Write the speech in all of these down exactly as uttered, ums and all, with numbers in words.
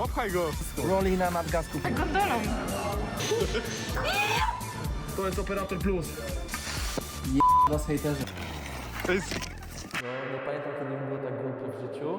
Popchaj go. Roli na nadgasku. Gondolą. To jest Operator Plus. Was hejterzy. To jest... No, nie pamiętam, kiedy mi było tak głupio w życiu.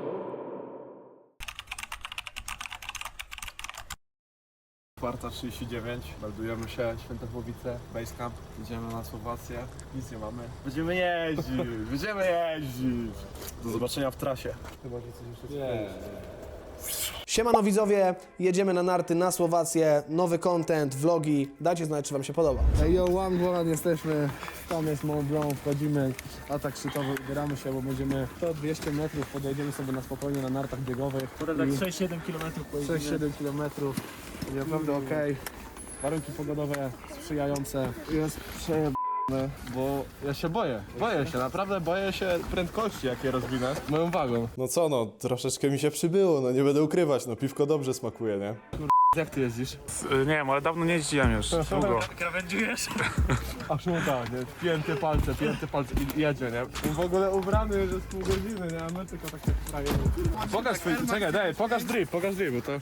Czwarta trzydzieści dziewięć, meldujemy się, Świętochłowice, Basecamp, idziemy na Słowację, nic nie mamy. Będziemy jeździć, będziemy jeździć. Do zobaczenia w trasie. Chyba, że coś jeszcze nie. Siemano widzowie, jedziemy na narty na Słowację, nowy content, vlogi, dajcie znać, czy wam się podoba. Ej, yo, One Golan jesteśmy, tam jest Mont Blanc, wchodzimy, atak szczytowy, ubieramy się, bo będziemy sto dwieście metrów, podejdziemy sobie na spokojnie na nartach biegowych. Potem tak sześć siedem kilometrów pojedziemy. sześć siedem kilometrów, będzie naprawdę okej. Warunki pogodowe sprzyjające. Jest przejebane, bo ja się boję. Boję się, naprawdę boję się prędkości, jakie rozwinę moją wagą. No co no, troszeczkę mi się przybyło, no nie będę ukrywać, no piwko dobrze smakuje, nie? Jak ty jeździsz? Nie wiem, ale dawno nie jeździłem już, długo. Krawędziujesz? Aż mu tak, nie? Pięte palce, pięte palce i jedzie, nie? W ogóle ubrany już jest pół godziny, nie? A my tylko tak się frajemy. Pokaż swój, czekaj, daj, pokaż drip, pokaż drip, bo to...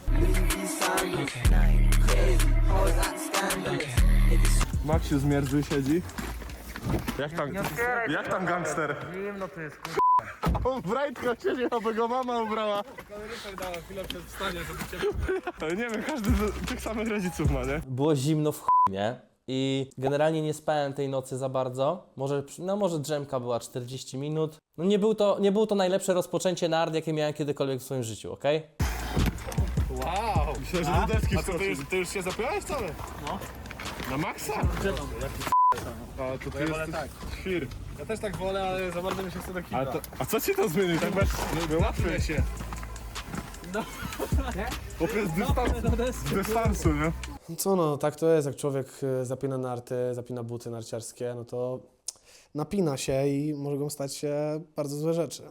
Maksiu zmierzły siedzi. Jak tam, jak tam gangster? Zimno to jest, kur... On w rajtkach siedzi, aby go mama ubrała. Kaloryfer dała chwilę przed wstaniem, żeby cię... Ale nie wiem, każdy z tych samych rodziców ma, nie? Było zimno w chuj, nie? I generalnie nie spałem tej nocy za bardzo. Może, no może drzemka była czterdzieści minut. No nie, był to, nie było to najlepsze rozpoczęcie nart, jakie miałem kiedykolwiek w swoim życiu, okej? Wow! Myślę, że do deski. A co, ty już, ty już się zapiąłeś wcale? No. Na maksa? A to ty jesteś tak. świr. Ja też tak wolę, ale za bardzo mi się chce do A, kibla. to, a co ci to zmieni? Tak bez... No, łatwiej się. No. Po prostu dystans, z dystansu, nie? Co no, tak to jest, jak człowiek e, zapina narty, zapina buty narciarskie, no to napina się i mogą stać się bardzo złe rzeczy.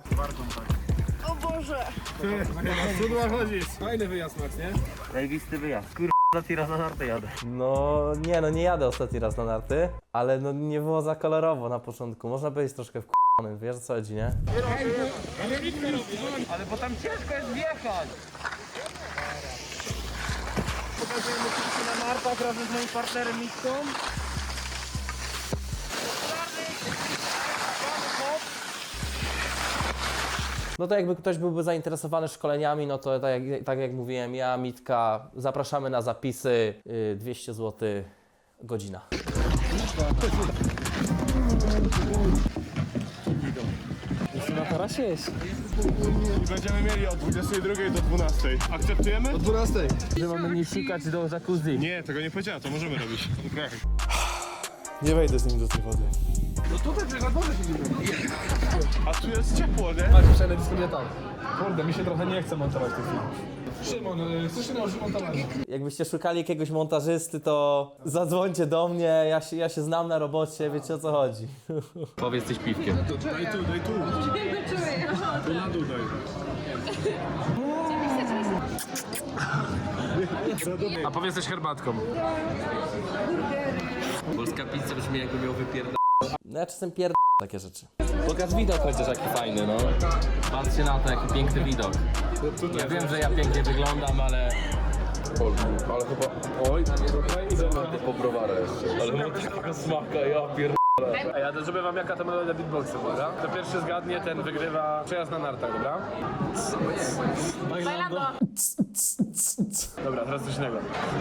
Cudła chodzisz. Fajny wyjazd, Max, nie? Zajebisty wyjazd, kur... Ostatni raz na nartę jadę. No nie, no nie jadę ostatni raz na narty, ale no nie było za kolorowo na początku. Można być troszkę wkurzonym, wiesz o co chodzi, nie? Ale bo tam ciężko jest wjechać. Pokazujemy się na nartach razem z moim partnerem Mitką. No to jakby ktoś byłby zainteresowany szkoleniami, no to tak jak, tak jak mówiłem, ja, Mitka, zapraszamy na zapisy, yy, dwieście złotych godzina. Na tarasie jest. I będziemy mieli od dwudziestej drugiej do dwunastej. Akceptujemy? Od dwunastej. Że mamy nie sikać do jacuzzi. Nie, tego nie powiedziała, to możemy robić. Okay. Nie wejdę z nim do tej wody. No tutaj przecież na dworze siedzimy. A tu jest ciepło, nie? Macie przelewisko nie tak. Kurde, mi się trochę nie chce montować tych film. Szymon, y, chcesz się nauczyć montować? Jakbyście szukali jakiegoś montażysty, to zadzwońcie do mnie, ja się, ja się znam na robocie, wiecie o co chodzi. Powiedz coś piwkiem. Daj tu, daj tu. Tu na dół daj. A powiedz coś herbatką. Polska pizza brzmi jakby miał wypierdać. No ja czasem pierd... takie rzeczy. Pokaż widok chociaż jaki fajny, no. Patrzcie na to, jaki piękny widok. Ja wiem, że ja pięknie wyglądam, ale... Ale chyba... Oj, Zobaczcie po browara jeszcze. Ale mam takiego smaka, ja pier... Ej, ja zrobię wam jaka to melodia beatboxu, dobra? To pierwszy zgadnie, ten wygrywa przejazd na nartach, dobra? Bailando. Dobra, teraz coś innego.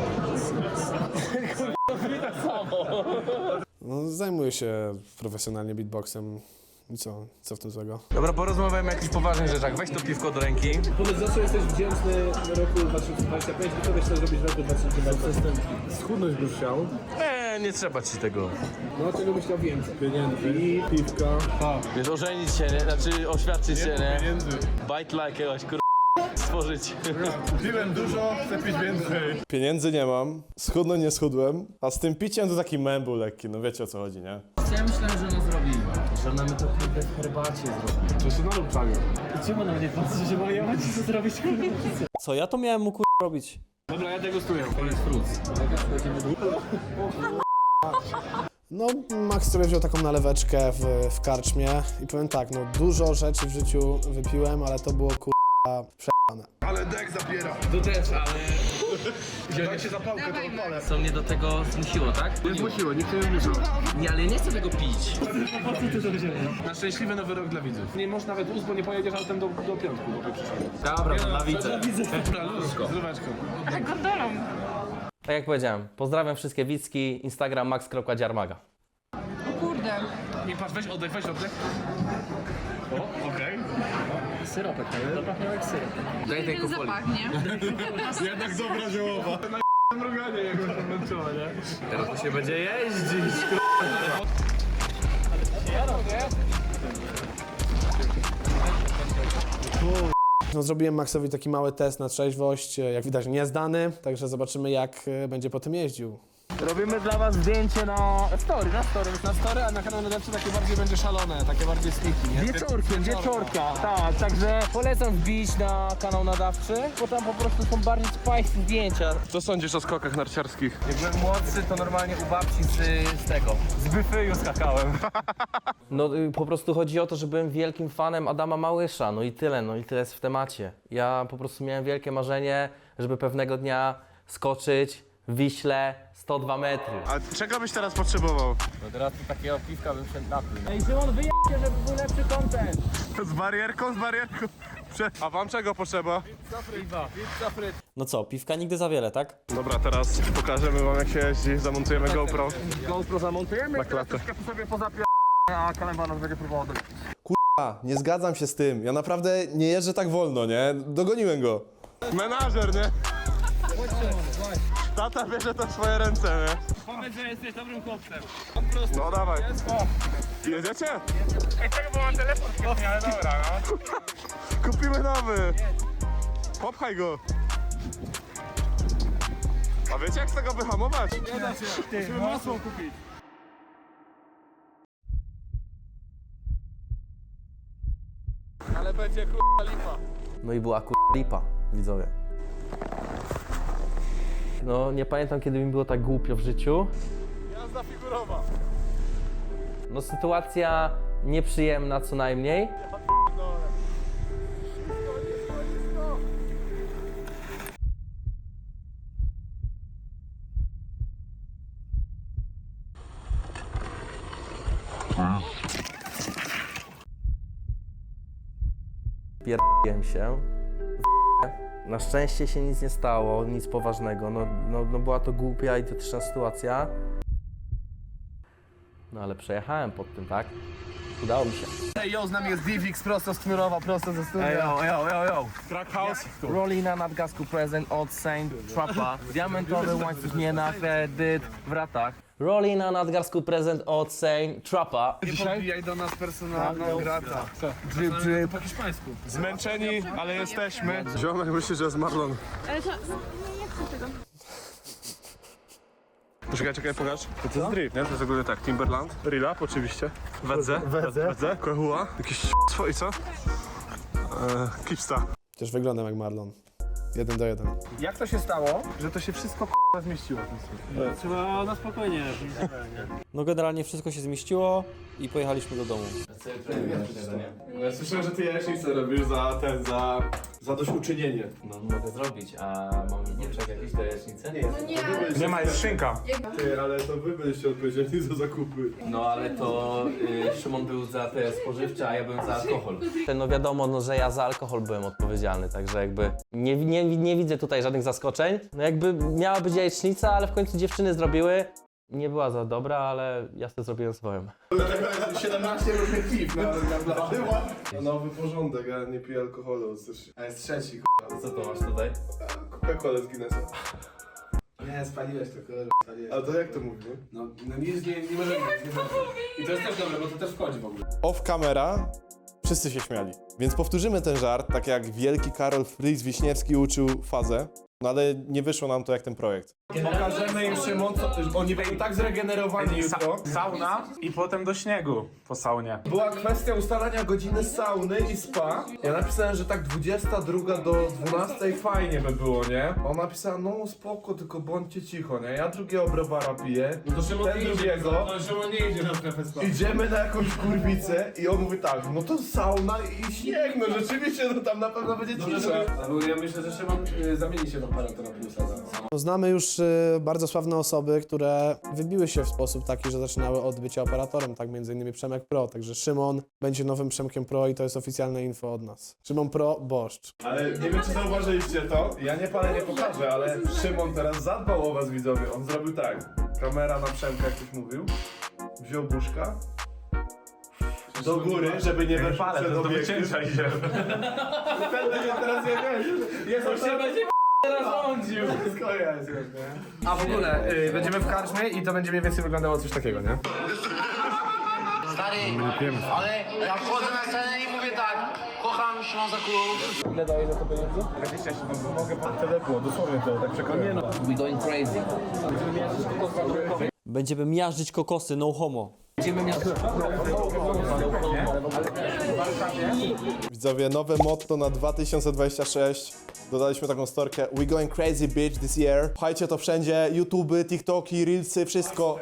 No, zajmuję się profesjonalnie beatboxem i co, co w tym złego? Dobra, porozmawiamy o jakichś poważnych rzeczach. Weź to piwko do ręki. Powiedz, za co jesteś wdzięczny roku dwa tysiące dwudziestym piątym i co byś chciał zrobić w roku dwa tysiące dwudziestym? Schudnąć byś chciał. Eee, nie trzeba ci tego. No, czego byś chciał więcej? Pieniędzy, piwka. Wiesz, ożenić się, nie? Znaczy oświadczyć się, nie? pieniędzy. Bite like jakiegoś kur... stworzyć. Piłem dużo, chcę pić więcej. Pieniędzy nie mam, schudnąć nie schudłem, a z tym piciem to taki mem był lekki, no wiecie o co chodzi, nie? Ja myślałem, że ona zrobi. Że ona mi to kurde w herbacie zrobi. To się na lub czaniu. Czemu na mnie patrzy, że moja macie co zrobić? Co ja to miałem mu kur... robić? Dobra, ja degustuję. Koniec fruits. No, Max sobie wziął taką naleweczkę w, w karczmie i powiem tak, no dużo rzeczy w życiu wypiłem, ale to było kurwa Ale dek zabiera. Tu też, ale... Dajcie zapałkę, to odpalę. Co mnie do tego zmusiło, tak? Nie zmusiło, nikt nie zmusił. Nie, ale ja nie chcę tego pić. Na szczęśliwy nowy rok dla widzów. Nie masz nawet ust, bo nie pojedziesz autem do, do piątku, bo przyszedł. Dobra, to na widzę. Zdróweczko. Tak jak powiedziałem, pozdrawiam wszystkie widzki, Instagram max.dziarmaga. Kurde. Nie patrz, weź oddech, weź oddech. O, okej. Syropek, nie? Zapachnie jak syrop. Daj tej Ten kupoli. zapach, nie? Jednak dobra ziołowa. Na mruganie jak to męczyło, nie? Teraz to się będzie jeździć. No, zrobiłem Maxowi taki mały test na trzeźwość, jak widać niezdany, także zobaczymy jak e, będzie po tym jeździł. Robimy dla was zdjęcie na story, na story, na story, a na kanał najlepszy takie bardziej będzie szalone, takie bardziej sniki, nie? Wieczorkiem, wieczorka. Tak, także polecam wbić na kanał nadawczy, bo tam po prostu są bardziej spicy zdjęcia. Co sądzisz o skokach narciarskich? Jak byłem młodszy, to normalnie u babci z, z tego, z byfyju skakałem. No y, po prostu chodzi o to, że byłem wielkim fanem Adama Małysza, no i tyle, no i tyle jest w temacie. Ja po prostu miałem wielkie marzenie, żeby pewnego dnia skoczyć w Wiśle sto dwa metry. A czego byś teraz potrzebował? No teraz to takiego piwka bym się napił. Ej, Szymon, wyjęcie, żeby był lepszy content. Z barierką, z barierką. Prze- A wam czego potrzeba? No co, piwka nigdy za wiele, tak? Dobra, teraz pokażemy wam jak się jeździ, zamontujemy GoPro. GoPro zamontujemy, Na klatę. sobie pozapier... a Kalemba nas będzie próbował do... A, nie zgadzam się z tym. Ja naprawdę nie jeżdżę tak wolno, nie? Dogoniłem go. Menażer, nie? Tata bierze to w swoje ręce, nie? Powiedz, że jesteś dobrym chłopcem. No dawaj. Jedziecie? Ej, czego, bo mam telefon kiepnie, ale dobra, no. Kupimy nowy. Popchaj go. A wiecie jak z tego wyhamować? Nie da się. Musimy masło kupić. Ale będzie k***a lipa. No i była kur... lipa, widzowie. No nie pamiętam, kiedy mi było tak głupio w życiu. Jazda figurowa. No sytuacja nieprzyjemna co najmniej. Pierdoliłem się. Na szczęście się nic nie stało, nic poważnego. No, no, no była to głupia, idiotyczna sytuacja. No ale przejechałem pod tym, tak? Udało mi się. Ej, yo, z nami jest Divix prosto z Knurowa, prosto ze studia. Ej, yo, yo, yo, yo. Crack House. Rolina nadgasku prezent od Saint Trappa. Diamentowy łańcuch nie na kredyt w ratach. Rolina nadgarsku prezent od Saint Trappa. Nie podbijaj do nas personalną grata. Drip, drip. Po hiszpańsku. Zmęczeni, ale jesteśmy. Ziomek myśli, że jest Marlon. Ale to... Nie, nie chcę tego. Czekaj, czekaj, pokaż. To, to jest drip, nie? To jest ogólnie tak, Timberland, Rilap oczywiście, Wedze, Wedze, Kohua, jakiś swoi, co? Eee, Kipsta. Też wyglądam jak Marlon. Jeden do jeden. Jak to się stało, że to się wszystko k***a zmieściło? Trzeba na spokojnie. No generalnie wszystko się zmieściło i pojechaliśmy do domu. Ja słyszałem, że ty jajecznicę robisz za ten, za zadośćuczynienie. No mogę zrobić, a mam nie czekać jakieś do jajecznicy? Nie. No nie, Nie ma, jest szynka. Ty, ale to wy byliście odpowiedzialni za zakupy. No ale to y, Szymon był za te spożywcze, a ja byłem za alkohol. No wiadomo, no, że ja za alkohol byłem odpowiedzialny, także jakby nie, nie, nie widzę tutaj żadnych zaskoczeń. No jakby miała być jajecznica, ale w końcu dziewczyny zrobiły. Nie była za dobra, ale ja sobie zrobiłem swoją. siedemnaście różnych piw na na Nowy porządek, ja nie piję alkoholu. A jest trzeci, Co to masz tutaj? Coca-Cola z Guinnessa. Nie, spaliłeś to, kurwa, spaliłeś. Ale to jak to mówię? No, no nic nie, nie może być. I to jest też dobre, bo to też wchodzi w ogóle. Off camera wszyscy się śmiali. Więc powtórzymy ten żart, tak jak wielki Karol Fritz Wiśniewski uczył fazę. No ale nie wyszło nam to jak ten projekt. Pokażemy im, Szymon, co, oni będą tak zregenerowani jutro. Sauna i potem do śniegu po saunie. Była kwestia ustalania godziny sauny i spa. Ja napisałem, że tak dwudziesta druga do dwunastej fajnie by było, nie? On napisał, no spoko, tylko bądźcie cicho, nie? Ja drugiego browara piję, ten drugiego. Szymon nie idzie na strefę spa. Idziemy na jakąś kurwicę i on mówi tak, no to sauna i śnieg, no rzeczywiście, no tam na pewno będzie cisza. Ja myślę, że Szymon y, zamieni się w operatora plusa zaraz. No, znamy już y, bardzo sławne osoby, które wybiły się w sposób taki, że zaczynały od bycia operatorem, tak między innymi Przemek Pro, także Szymon będzie nowym Przemkiem Pro i to jest oficjalne info od nas. Szymon Pro, boszcz. Ale nie wiem, czy zauważyliście to, ja nie palę, nie pokażę, ale Szymon teraz zadbał o was, widzowie. On zrobił tak, kamera na Przemka, jak ktoś mówił, wziął buszka, do góry, żeby nie weszło przed do obiektyw. wycięcia idzie. Ten będzie teraz nie wiesz, jest on się będzie Teraz rządził. wszystko jest już, nie? A w ogóle y, będziemy w karczmie i to będzie mniej więcej wyglądało coś takiego, nie? Stary, ale ja wchodzę na scenę i mówię tak, kocham Ślązaków. Ile daje za to pieniędzy? Mogę pan tyle było, dosłownie to, tak przekroję. No. We going crazy. Będziemy miażdżyć kokosy, no homo. Będziemy miażdżyć Widzowie, nowe motto na dwa tysiące dwudziesty szósty. Dodaliśmy taką storkę We going crazy bitch this year. Pchajcie to wszędzie, YouTube, TikToki, Reelsy, wszystko.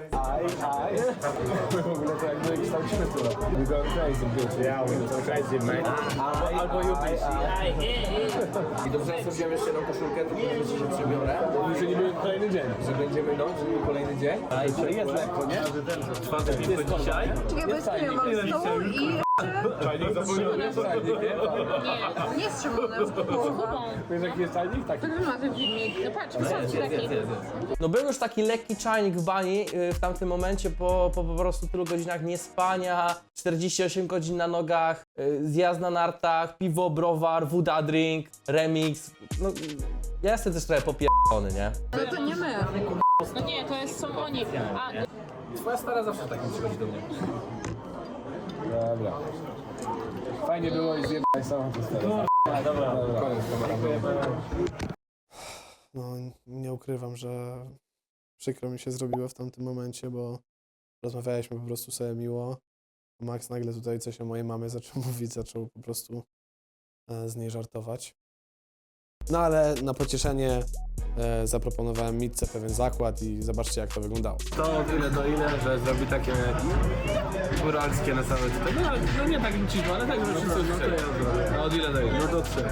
W ogóle to jakby kształcimy tyle. We go crazy, bitch. Yeah, we go crazy, man. Albo, albo you bitch. I dobrze, jak sobie jeszcze jedną koszulkę, to myślę, że przebiorę. Że nie będzie kolejny dzień. Że będziemy, no, że nie kolejny dzień. A i to jest lekko, nie? Czwarty dzień to dzisiaj. Czekaj, bo jest tyle, mam stołu i... Czajnik zapomniałem. Nie, nie z Szymonem, z Kubą. Wiesz jaki jest czajnik? Taki. To ma ten filmik. Patrz, wystarczy taki. No był już taki lekki czajnik w bani yy, w tamtym momencie po, po po prostu tylu godzinach niespania, czterdzieści osiem godzin na nogach, yy, zjazd na nartach, piwo, browar, woda drink, remix. No, ja jestem też trochę popierdolony, nie? Ale to nie my. No nie, to jest, są oni. A, Twoja stara zawsze takim przychodzi do mnie. Dobra. Fajnie było i zjebaj samą to stara. Dobra, dobra. Koniec, kamera. No, nie ukrywam, że przykro mi się zrobiło w tamtym momencie, bo rozmawialiśmy po prostu sobie miło. Max nagle tutaj coś o mojej mamie zaczął mówić, zaczął po prostu e, z niej żartować. No ale na pocieszenie e, zaproponowałem Mitce pewien zakład i zobaczcie, jak to wyglądało. To od ile do ile, że zrobi takie góralskie na całe tutaj. No, no nie tak liczymy, ale tak, że wszyscy no to ja zrobię. A od ile do ile? No do trzy.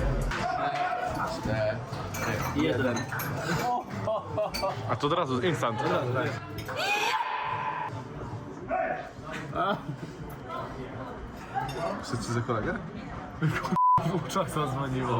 Jeden. A to od razu, instant. Wszyscy za kolegę? Dwóch czas zadzwoniło.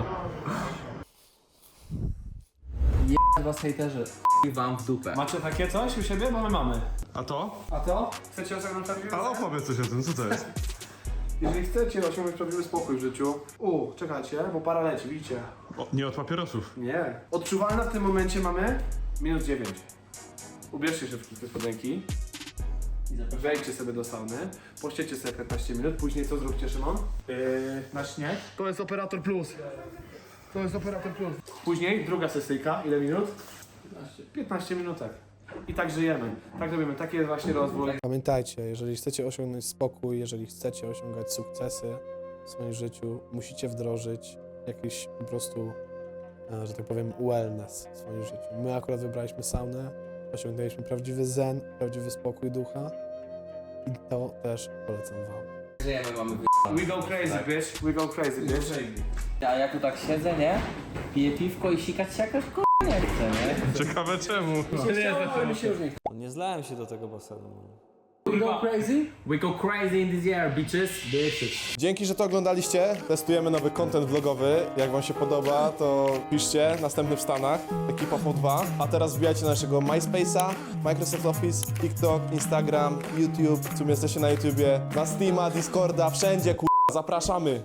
Was hejterzy, i wam w dupę. Macie takie coś u siebie? Bo my mamy. A to? A to? Chcecie osiągnąć prawdziwy A opowiedz coś o tym, co to jest? Jeżeli chcecie osiągnąć prawdziwy spokój w życiu, u, czekajcie, bo para leci, widzicie? O, nie od papierosów. Nie. Odczuwalna w tym momencie mamy minus dziewięć. Ubierzcie się w krótkie spodenki. Wejdźcie sobie do sauny, pościecie sobie piętnaście minut, później co zróbcie, Szymon? Yy, na śnieg. To jest Operator Plus. To jest Operator Plus. Później druga sesyjka, ile minut? piętnaście. piętnaście minutek. I tak żyjemy, tak robimy, taki jest właśnie rozwój. Pamiętajcie, jeżeli chcecie osiągnąć spokój, jeżeli chcecie osiągać sukcesy w swoim życiu, musicie wdrożyć jakiś po prostu, e, że tak powiem, wellness w swoim życiu. My akurat wybraliśmy saunę, osiągnęliśmy prawdziwy zen, prawdziwy spokój ducha i to też polecam wam. Żyjemy, mamy We go crazy, bitch, we go crazy, bitch. A ja tu tak siedzę, nie? Piję piwko i sikać się jakoś k***a nie chcę, nie? Ciekawe czemu. Nie zlałem się do tego basenu. We go crazy? We go crazy in this year, bitches. Dzięki, że to oglądaliście. Testujemy nowy content vlogowy. Jak wam się podoba, to piszcie. Następny w Stanach. Ekipa po dwa. A teraz wbijajcie na naszego MySpace'a, Microsoft Office, TikTok, Instagram, YouTube. W sumie jesteście na YouTubie, na Steama, Discorda, wszędzie, kur... Zapraszamy!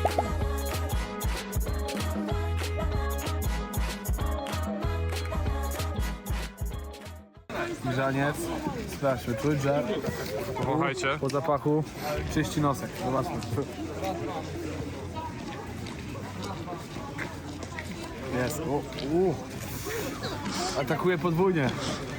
Grzaniec. Sprawdźmy, czuć, że Powąchajcie. po zapachu czyści nosek. Zobaczmy. Jest. O, u. Atakuje podwójnie.